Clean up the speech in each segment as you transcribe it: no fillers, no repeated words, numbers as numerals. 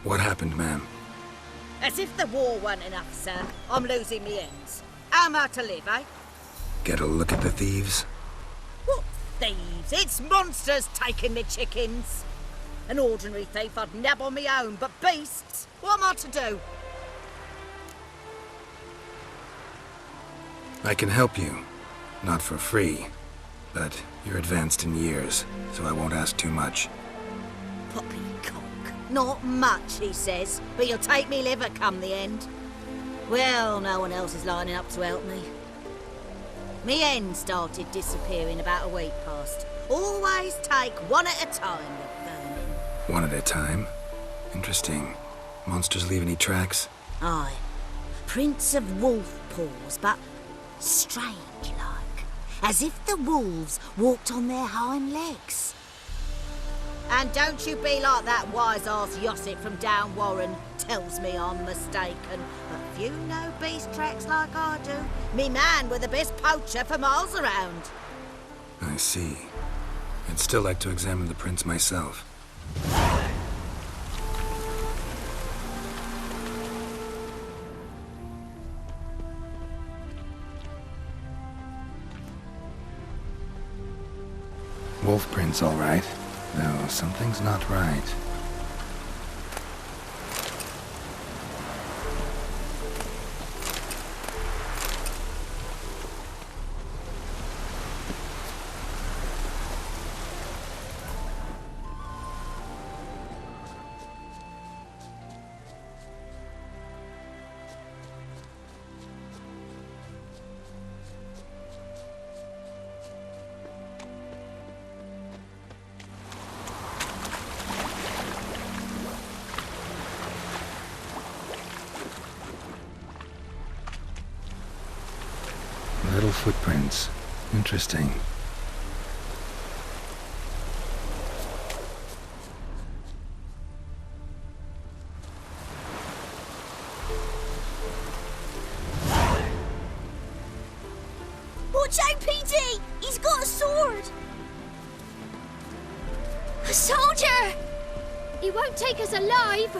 What happened, ma'am? As if the war weren't enough, sir. I'm losing me ends. How am I to live, eh? Get a look at the thieves? What thieves? It's monsters taking me chickens. An ordinary thief I'd nab on me own, but beasts? What am I to do? I can help you. Not for free. But you're advanced in years, so I won't ask too much. Poppycock. Not much, he says, but you'll take me liver come the end. Well, no one else is lining up to help me. Me hen started disappearing about a week past. Always take one at a time with vermin. One at a time? Interesting. Monsters leave any tracks? Aye. Prints of wolf paws, but strange like. As if the wolves walked on their hind legs. And don't you be like that wise-ass Yossip from down Warren tells me I'm mistaken. But if you know beast tracks like I do, me man were the best poacher for miles around. I see. I'd still like to examine the prints myself. Wolf prints, all right. Though something's not right. Little footprints. Interesting. Watch out, PD! He's got a sword! A soldier! He won't take us alive!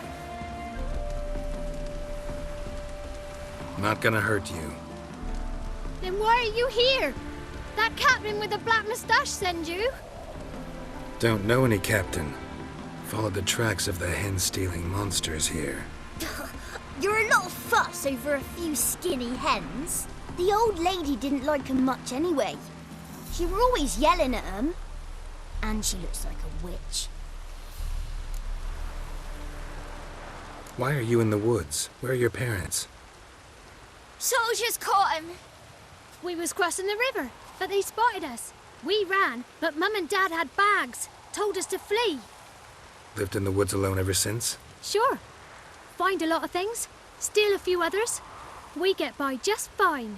Not gonna hurt you. Then why are you here? That captain with the black moustache send you? Don't know any captain. Followed the tracks of the hen-stealing monsters here. You're a lot of fuss over a few skinny hens. The old lady didn't like 'em much anyway. She were always yelling at 'em. And she looks like a witch. Why are you in the woods? Where are your parents? Soldiers caught him! We was crossing the river, but they spotted us. We ran, but Mum and Dad had bags. Told us to flee. Lived in the woods alone ever since? Sure. Find a lot of things, steal a few others. We get by just fine.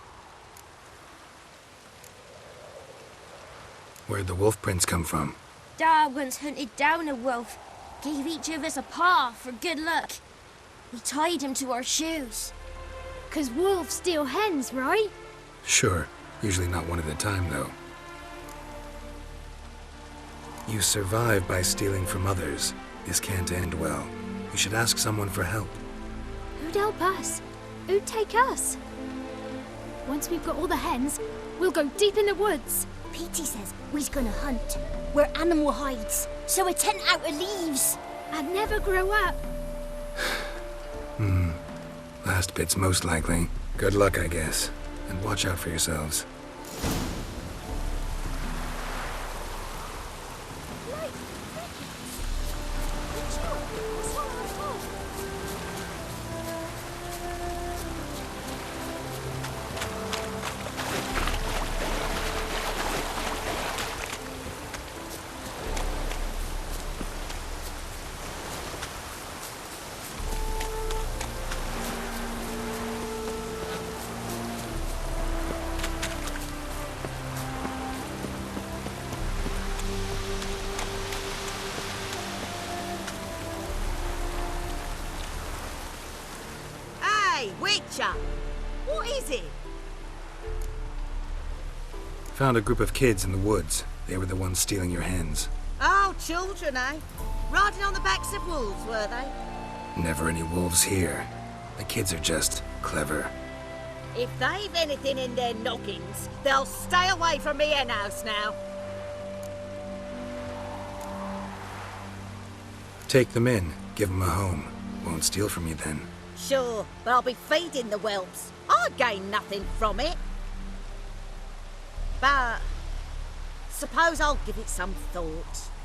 Where'd the wolf prints come from? Dad once hunted down a wolf. Gave each of us a paw for good luck. We tied him to our shoes. 'Cause wolves steal hens, right? Sure. Usually not one at a time, though. You survive by stealing from others. This can't end well. You should ask someone for help. Who'd help us? Who'd take us? Once we've got all the hens, we'll go deep in the woods. Petey says we's gonna hunt where animal hides, so a tent out of leaves. And never grow up. Last bit's most likely. Good luck, I guess. And watch out for yourselves. Hey, Witcher! What is it? Found a group of kids in the woods. They were the ones stealing your hens. Oh, children, eh? Riding on the backs of wolves, were they? Never any wolves here. The kids are just clever. If they've anything in their noggins, they'll stay away from me hen house now. Take them in. Give them a home. Won't steal from you then. Sure, but I'll be feeding the whelps. I gain nothing from it. But suppose I'll give it some thought.